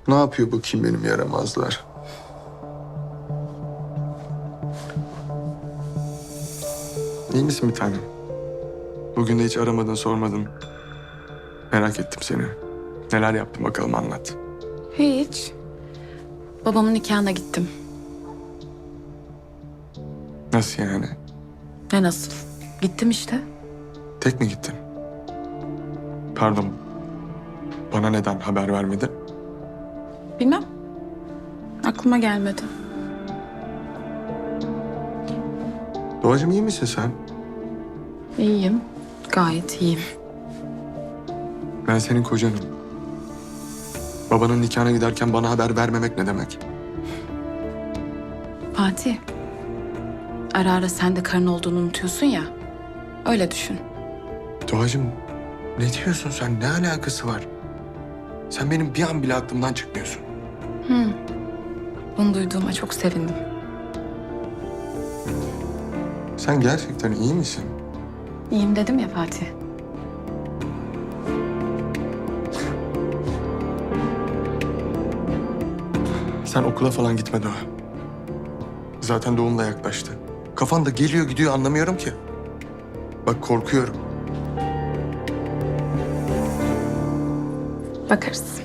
Ne yapıyor bakayım benim yaramazlar? İyi misin bir tanem? Bugün de hiç aramadın, sormadın. Merak ettim seni. Neler yaptın bakalım, anlat. Hiç. Babamın nikahına gittim. Nasıl yani? Ne nasıl? Gittim işte. Tek mi gittin? Pardon. Bana neden haber vermedin? Bilmem. Aklıma gelmedi. Doğacığım, iyi misin sen? İyiyim. Gayet iyiyim. Ben senin kocanım. Babanın nikahına giderken bana haber vermemek ne demek? Fatih. Ara ara sen de karın olduğunu unutuyorsun ya. Öyle düşün. Doğacığım, ne diyorsun sen? Ne alakası var? Sen benim bir an bile aklımdan çıkmıyorsun. Bunu duyduğuma çok sevindim. Sen gerçekten iyi misin? İyiyim dedim ya Fatih. Sen okula falan gitme Doğa. Zaten doğum da yaklaştı. Kafan da geliyor gidiyor, anlamıyorum ki. Bak, korkuyorum. Bakarız.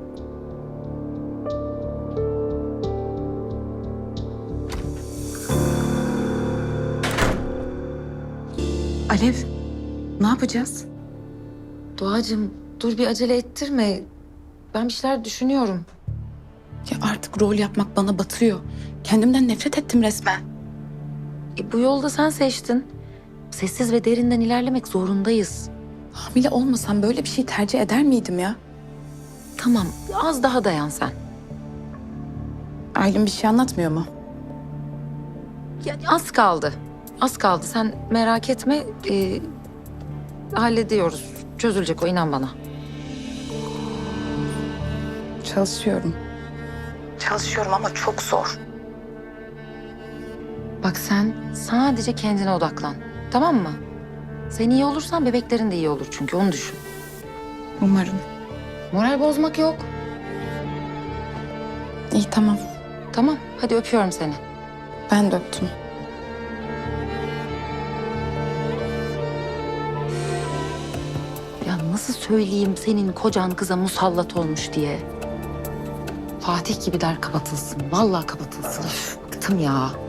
Alev, ne yapacağız? Doğacığım dur, bir acele ettirme. Ben bir şeyler düşünüyorum. Ya artık rol yapmak bana batıyor. Kendimden nefret ettim resmen. Bu yolda sen seçtin. Sessiz ve derinden ilerlemek zorundayız. Hamile olmasam böyle bir şey tercih eder miydim ya? Tamam, az daha dayan sen. Aylin bir şey anlatmıyor mu? Ya, az kaldı. Az kaldı. Sen merak etme. Hallediyoruz. Çözülecek o, inan bana. Çalışıyorum. Çalışıyorum ama çok zor. Bak, sen sadece kendine odaklan. Tamam mı? Sen iyi olursan bebeklerin de iyi olur, çünkü onu düşün. Umarım. Moral bozmak yok. İyi tamam. Tamam, hadi öpüyorum seni. Ben de öptüm. Ya nasıl söyleyeyim senin kocan kıza musallat olmuş diye. Fatih gibi der kapatılsın. Vallahi kapatılsın. Üf, bıktım ya.